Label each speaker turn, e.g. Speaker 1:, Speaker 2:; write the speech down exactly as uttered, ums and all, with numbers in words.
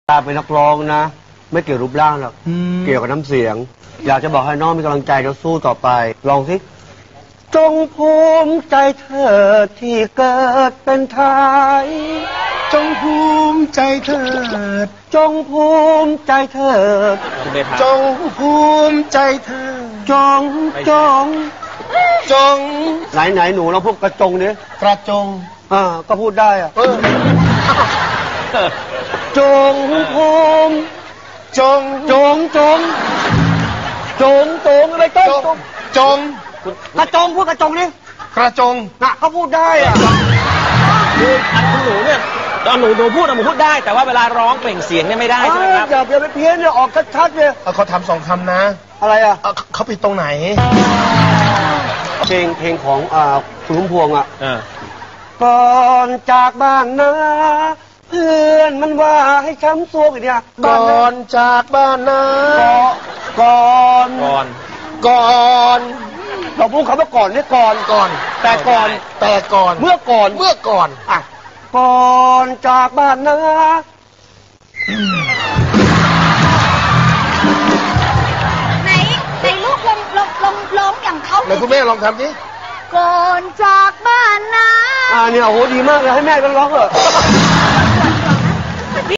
Speaker 1: ตาเป็นนักร้องนะไม่เกี่ยวรูปร่างหรอกเกี่ยวกับน้ำเสียงอยากจะบอกให้น้องมีกำลังใจแล้วสู้ต่อไปลองสิจงภูมิใจเธอที่เกิดเป็นไทยจงภูมิใจเถิดจงภูมิใจเถิดจงภูมิใจเถิดจงจงจงไหนไหนหนูเราพูดกระจงเนี่ยกระจงอ่าก็พูดได้อะจงภูมิจงจงจงจงจงอะไรต้นจงกระจงพูดกระจงนี่กระจงน่ะเขาพูดได้อ่ะ
Speaker 2: คืออันคุณหนูเนี่ยตอนหนูหนูพูดหนูพูดได้แต่ว่าเวลาร้องเปล่งเสียงเนี่ยไม่ได้ใช่ไหมครับ
Speaker 1: อย่าอย่าไปเพี้ยนเนี่ยออกชัดๆเลย
Speaker 3: เขาทำสองคำนะ
Speaker 1: อะไรอ่ะ
Speaker 3: เขาผิดตรงไหน
Speaker 1: เพลงเพลงของอ่าคุณพุ่มพวงอ่ะก่อนจากบ้านนะเพื่อนมันว่าให้ช้ำซวกอีกเนี่ย
Speaker 3: ก่อนจากบ้านนะ
Speaker 1: ก่อน
Speaker 2: ก่อน
Speaker 1: ก่อนเราพูดคำว่าก่อนนี่ก่อน
Speaker 3: ก่อน
Speaker 1: แต่ก่อน
Speaker 3: แต่ก่อน
Speaker 1: เมื่อก่อน
Speaker 3: เมื่อก่อน
Speaker 1: อ่ะก่อนจากบ้านนะ
Speaker 4: ไหนไหนลูกลองลองลองร้องอย่างเขา
Speaker 3: ไหนคุณแม่ลองทำดิ
Speaker 4: ก่อนจากบ้านนะ
Speaker 1: อ่าเนี่ยโอ้โหดีมากเลยให้แม่กันร้องเถอะ